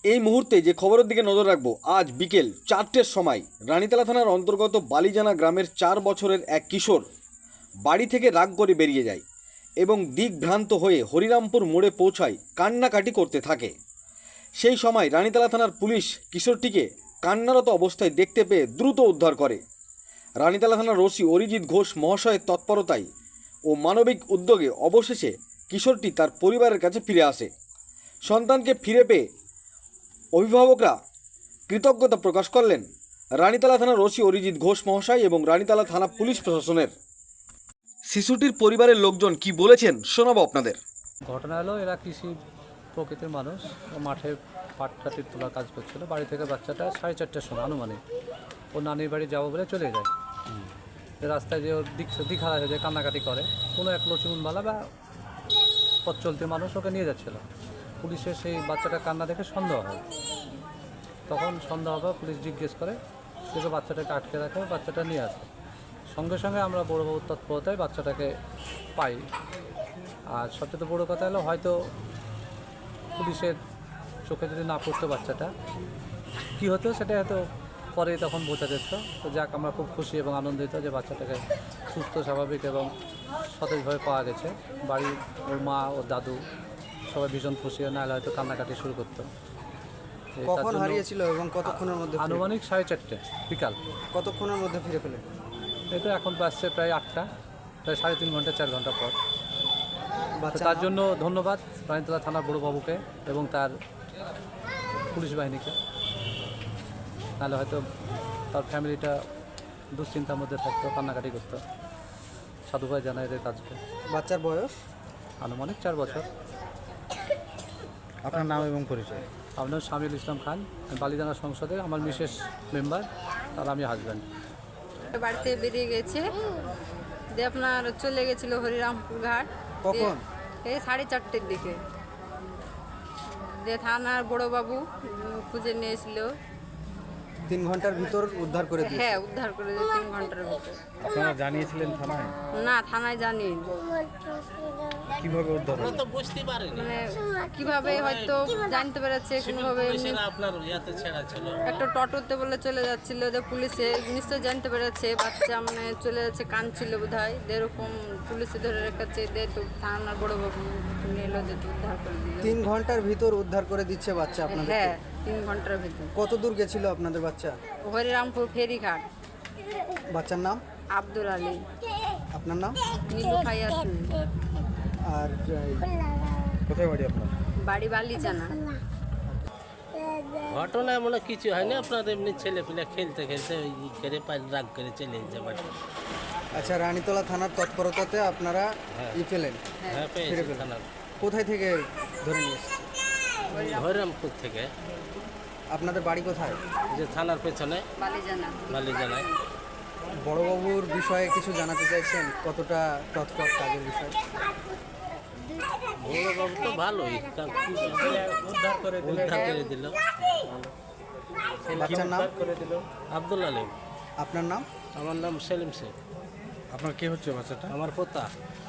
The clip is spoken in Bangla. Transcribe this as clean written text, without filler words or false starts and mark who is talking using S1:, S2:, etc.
S1: এই মুহূর্তে যে খবরের দিকে নজর রাখবো, আজ বিকেল 4টের সময় রানীতলা থানার অন্তর্গত বালিজানা গ্রামের 4 বছরের এক কিশোর বাড়ি থেকে রাগ করে বেরিয়ে যায় এবং দিকভ্রান্ত হয়ে হরিরামপুর মোড়ে পৌঁছায় কান্নাকাটি করতে থাকে। সেই সময় রানীতলা থানার পুলিশ কিশোরটিকে কান্নারত অবস্থায় দেখতে পেয়ে দ্রুত উদ্ধার করে। রানীতলা থানার ওসি অরিজিৎ ঘোষ মহাশয়ের তৎপরতায় ও মানবিক উদ্যোগে অবশেষে কিশোরটি তার পরিবারের কাছে ফিরে আসে। সন্তানকে ফিরে পেয়ে অভিভাবকরা কৃতজ্ঞতা প্রকাশ করলেন রানীতলা থানার ওসি অরিজিৎ ঘোষ মহাশয় এবং রানীতলা থানা পুলিশ প্রশাসনের। শিশুটির পরিবারের লোকজন কি বলেছেন শোনাবো আপনাদের।
S2: ঘটনা হলো, এরা কৃষি প্রকৃতির মানুষ, মাঠে পাট কাটির তোলার কাজ করছিল। বাড়ি থেকে বাচ্চাটা 4:30টার সময় আনুমানিক ও নানির বাড়ি যাবো বলে চলে যায়। রাস্তায় যে ওর দিক হারা হয়ে যায়, কান্নাকাটি করে। কোনো এক লক্ষ্মীমণবালা বা পথ চলতি মানুষ ওকে নিয়ে যাচ্ছিল। পুলিশের সেই বাচ্চাটা কান্না দেখে সন্দেহ হয়। তখন সন্দেহ হবে, পুলিশ জিজ্ঞেস করে, সেটা বাচ্চাটাকে আটকে রাখে, বাচ্চাটা নিয়ে আসে। সঙ্গে সঙ্গে আমরা বড়োবাবুর তৎপরতায় বাচ্চাটাকে পাই। আর সবচেয়ে বড়ো কথা হলো, হয়তো পুলিশের চোখে যদি না পড়তো বাচ্চাটা কী হতো সেটা হয়তো পরে তখন বোঝা যেত। তো যাক, আমরা খুব খুশি এবং আনন্দিত যে বাচ্চাটাকে সুস্থ স্বাভাবিক এবং সতেজভাবে পাওয়া গেছে। বাড়ির ওর মা ও দাদু সবাই ভীষণ খুশি, নাহলে হয়তো কান্নাকাটি শুরু করতো।
S3: কখন হারিয়েছিল এবং কতক্ষণের মধ্যে?
S2: আনুমানিক 4:30 বিকাল।
S3: কতক্ষণের মধ্যে ফিরে পেলেন?
S2: এই তো এখন বাজছে প্রায় 8টা, প্রায় 3.5 ঘন্টা 4 ঘন্টা পর। তার জন্য ধন্যবাদ রানীতলা থানার বড়োবাবুকে এবং তার পুলিশ বাহিনীকে, নাহলে হয়তো তার ফ্যামিলিটা দুশ্চিন্তার মধ্যে থাকতো, কান্নাকাটি করতো। সাধুভাই জানায় এদের কাজকে।
S3: বাচ্চার বয়স
S2: আনুমানিক 4 বছর।
S3: আপনার নাম এবং পরিচয়?
S2: আপনার শামিল ইসলাম খান, বালিজানা সংসদে আমার মিসেস মেম্বার, আর আমি হাজব্যান্ড।
S4: বাড়িতে বেরিয়ে গেছে, দিয়ে আপনার চলে গেছিল হরিরামপুর ঘাট।
S3: কখন?
S4: এই 4:30টার দিকে। দিয়ে থানার বড়োবাবু খুঁজে নিয়েছিল।
S3: 3 ঘন্টার ভিতর উদ্ধার করে দিয়েছে?
S4: হ্যাঁ, উদ্ধার করে দিয়ে 3 ঘন্টার ভিতর।
S3: আপনারা জানিয়েছিলেন থানায়?
S4: না, থানায় জানি।
S3: কিভাবে উদ্ধার হলো?
S4: মানে কিভাবে হয়তো জানতে পেরেছে কোনোভাবে। একটা টোটোতে বলে চলে যাচ্ছিল, যে পুলিশে নিশ্চয় জানতে পেরেছে বাচ্চা মানে চলে যাচ্ছে, কাঁদছিল বোধ হয়। এরকম পুলিশে ধরে রেখেছে, দিয়ে তো থানার বড়োবাবু নিল, যে উদ্ধার করে দিল।
S3: 3 ঘন্টার ভিতর উদ্ধার করে দিচ্ছে বাচ্চা আপনাদের?
S4: হ্যাঁ, 3 ঘন্টার ভিতর।
S3: কত দূর গেছিল আপনাদের বাচ্চা?
S4: হরিরামপুর ফেরিঘাট।
S3: বাচ্চার নাম?
S4: আব্দুল আলী।
S3: আপনার নাম?
S4: নীলু ফাইয়াসিন।
S3: আর কোথায় বাড়ি আপনার?
S4: বাড়ি বালিজানা।
S5: ঘটনা এমন কিছু হয়নি, আপনার এমনি ছেলে পিলে খেলতে খেলতে ওই করে রাগ করে চলে যেতে পারে।
S3: আচ্ছা, রানীতলা থানার তৎপরতাতে আপনারা পেলেন?
S5: হ্যাঁ,
S3: ফিরে
S5: পেয়েছি
S3: পেলেন।
S5: থানার।
S3: কোথায় থেকে ধরে নিয়ে এসেছে?
S5: হরিরামপুর থেকে।
S3: আপনাদের বাড়ি কোথায়?
S5: যে থানার পেছনে
S4: বালিজানা।
S5: বালিজানায়।
S3: বড়োবাবুর বিষয়ে কিছু জানাতে চাইছেন? কতটা তৎপর কাজের বিষয়?
S5: বড়বাবু তো ভালোই, উদ্ধার করে দিল।
S3: বাচ্চার নাম?
S5: আব্দুল আলিম।
S3: আপনার নাম?
S5: আমার নাম সেলিম শেখ।
S3: আপনার কে হচ্ছে বাচ্চাটা?
S5: আমার পোতা।